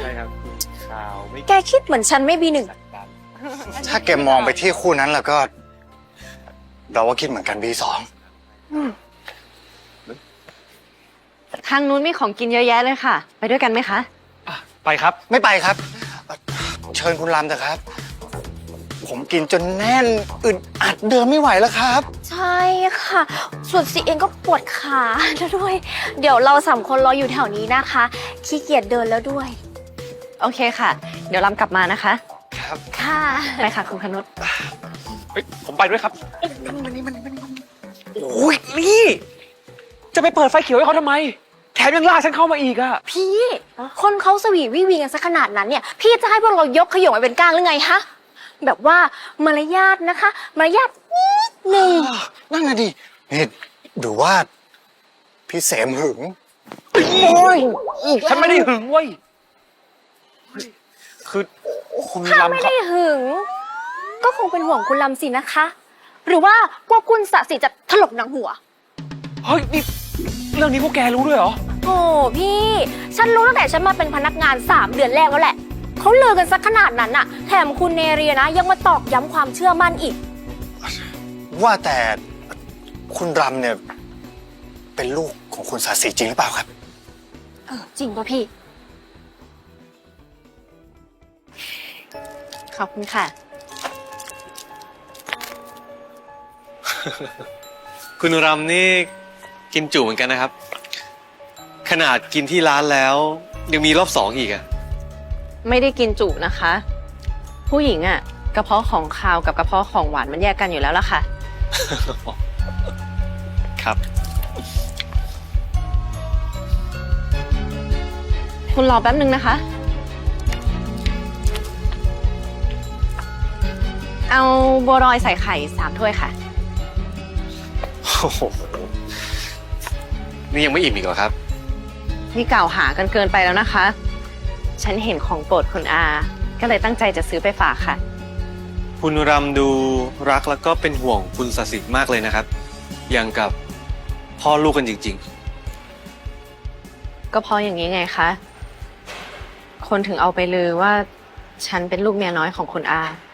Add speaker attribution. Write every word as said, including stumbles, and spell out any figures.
Speaker 1: ครับข่าวไม่
Speaker 2: แกคิดเหมือนฉันไม่บีหนึ่ง
Speaker 3: ถ้าแกมองไปที่คู่นั้นแล้วก็ เราก็คิดเหมือนกันบีสอง
Speaker 4: ทางนู้นมีของกินเยอะแยะเลยค่ะ ไปด้วยกันไหมคะ
Speaker 1: ไปครับ
Speaker 3: ไม่ไปครับ เชิญคุณรำเถอะครับ ผมกินจนแน่นอึดอัดเดินไม่ไหวแล้วครับ
Speaker 2: ใช่ค่ะ ส่วนซีเองก็ปวดขาแล้วด้วย เดี๋ยวเราสามคนรออยู่แถวนี้นะคะขี้เกียจเดินแล้วด้วย
Speaker 4: โอเคค่ะ เดี๋ยวลำกลับมานะคะ
Speaker 3: ครับ
Speaker 2: ค่ะ
Speaker 4: ไปค่ะคุณคนุช
Speaker 1: เฮ้ยผมไปด้วยครับมันนี่มันนี่มันนี่โอ้ยนี่จะไปเปิดไฟเขียวให้เขาทำไมแถมยังลากฉันเข้ามาอีกอะ
Speaker 2: พี่คนเขาสวีวิวีกันซะขนาดนั้นเนี่ยพี่จะให้พวกเรายกขยงไปเป็นก้างหรือไงฮะแบบว่ามารยาทนะคะมารยาทนิดหนึ่ง
Speaker 3: นั่นน่ะดินี่ดูว่า พี่เสมหึง
Speaker 1: โอ้ยฉันไม่ได้หึงเว้ยคือคุณ
Speaker 2: ถ้า
Speaker 1: ลำ
Speaker 2: ไม่
Speaker 1: เขา
Speaker 2: ได้หึงก็คงเป็นห่วงคุณลำสินะคะ หรือว่ากลัวคุณสะสิจะถลกหนังหัว
Speaker 1: เฮ้ยนี่เรื่องนี้พวกแกรู้ด้วยเหรอ
Speaker 2: โอ้พี่ ฉันรู้ตั้งแต่ฉันมาเป็นพนักงานสามเดือนแรกแล้วแหละเขาลือกันสักขนาดนั้นน่ะแถมคุณเนเรียนะยังมาตอกย้ำความเชื่อมั่นอีก
Speaker 3: ว่าแต่คุณรำเนี่ย เป็นลูกของคุณสาสีจริงหรือเปล่าครับ
Speaker 2: เออจริงป่ะพี่
Speaker 4: ขอบคุณค่ะ
Speaker 5: คุณรำนี่กินจุเหมือนกันนะครับ ขนาดกินที่ร้านแล้วยังมีรอบสองอีกอะ
Speaker 4: ไม่ได้กินจุนะคะ ผู้หญิงอะกระเพาะของคาวกับกระเพาะของหวานมันแยกกันอยู่แล้วล่ะค่ะ
Speaker 5: ครับ
Speaker 4: คุณรอแป๊บนึงนะคะ เอาบัวลอยใส่ไข่สามถ้วยค่ะ
Speaker 5: โอ้โห นี่ยังไม่อิ่มอีกเหรอครับ
Speaker 4: นี่กล่าวหากันเกินไปแล้วนะคะ ฉันเห็นของโปรดคุณอา ก็เลยตั้งใจจะซื้อไปฝากค่ะ
Speaker 5: คุณรำดูรักแล้วก็เป็นห่วงคุณสสิมากเลยนะครับ อย่างกับพ่อลูกกันจริง
Speaker 4: ก็เพราะอย่างนี้ไงคะ คนถึงเอาไปลือว่าฉันเป็นลูกเมียน้อยของคุณอา